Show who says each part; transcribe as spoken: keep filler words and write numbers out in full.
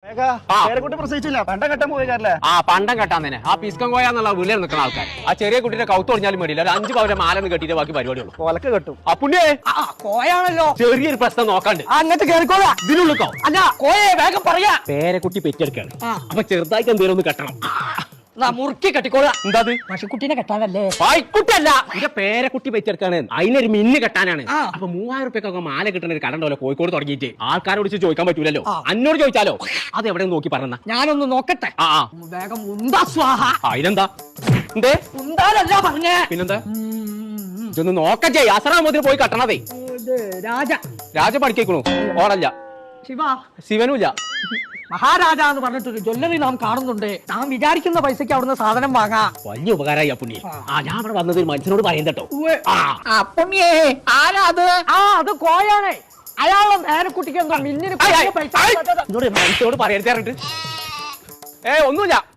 Speaker 1: പേരക്കുട്ടി പ്രസവിച്ചില്ല പണ്ടം കെട്ടാൻ പോയിക്കാരല്ലേ?
Speaker 2: ആ പണ്ടം കെട്ടാൻ തന്നെ ആ പിസ്കം കോയ എന്നുള്ള വീട്ടിൽ നിൽക്കുന്ന ആൾക്കാർ ആ ചെറിയ കുട്ടിയുടെ കൗത്ത് ഒടിഞ്ഞാലും വേണ്ടിയില്ല ഒരു അഞ്ച് പവന്റെ മാലന്ന് കെട്ടിയിട്ട് ബാക്കി പരിപാടിയുള്ളൂ.
Speaker 1: കൊലക്ക് കെട്ടും.
Speaker 2: ആ പുണ്യേ
Speaker 3: കോയാണല്ലോ
Speaker 2: ചെറിയൊരു പ്രശ്നം നോക്കാണ്ട്
Speaker 3: അങ്ങനത്തെ കേറിക്കോളാ.
Speaker 2: ഇതിനുള്ളിക്കോ
Speaker 3: അല്ല കോയെ വേഗം പറയാ.
Speaker 2: പേരക്കുട്ടി പെറ്റെടുക്കാണ്. അപ്പൊ ചെറുതായിട്ട് എന്തേലും ഒന്ന് കെട്ടണം.
Speaker 3: മുറുക്കി കെട്ടിക്കോളാ.
Speaker 2: എന്താ
Speaker 3: പശുക്കുട്ടീനെ കെട്ടാനല്ലേ?
Speaker 2: പായ്ക്കുട്ടല്ല എന്റെ പേരക്കുട്ടി പെറ്റെടുക്കാണ്. അതിനൊരു മിന്ന് കെട്ടാനാണ്.
Speaker 3: ആ.
Speaker 2: അപ്പൊ മൂവായിരം റുപ്യൊക്കെ മാല കിട്ടുന്ന ഒരു കടണ്ടല്ലോ കോഴിക്കോട് തുടങ്ങിയിട്ട് ആൾക്കാരോട് ചോദിക്കാൻ പറ്റൂലല്ലോ. അന്നോട് ചോദിച്ചാലോ അത് എവിടെ നോക്കി പറഞ്ഞ
Speaker 3: ഞാനൊന്ന് നോക്കട്ടെ.
Speaker 2: ആ ആ
Speaker 3: വേഗം ഉണ്ടാ സ്വാഹ.
Speaker 2: അതിനെന്താ എന്തേ
Speaker 3: ഉണ്ടാലല്ല പറഞ്ഞേ.
Speaker 2: പിന്നെന്താ ഇതൊന്ന് നോക്കച്ചേ അസറാമോദിന് പോയി കട്ടണതേ.
Speaker 3: രാജ
Speaker 2: രാജ പഠിക്കണു ഓടല്ല
Speaker 3: ശിവ
Speaker 2: ശിവനുമില്ല.
Speaker 3: മഹാരാജ എന്ന് പറഞ്ഞിട്ടൊരു ജ്വല്ലറി നാം കാണുന്നുണ്ട്. നാം വിചാരിക്കുന്ന പൈസക്ക് അവിടുന്ന് സാധനം വാങ്ങാം.
Speaker 2: വലിയ ഉപകാരമായി പുണ്യ. ആ ഞാൻ അവിടെ വന്നത് ഒരു മനുഷ്യനോട് പറയണ്ടോ.
Speaker 3: പുണ്യേ ആരാ അത്? ആ അത് കോയാണ്. അയാളെ നേരക്കുട്ടിക്ക് എന്താ മില്ലിന് പൈസ
Speaker 2: മനുഷ്യനോട് പറയരുത്. ഏ ഒന്നുമില്ല.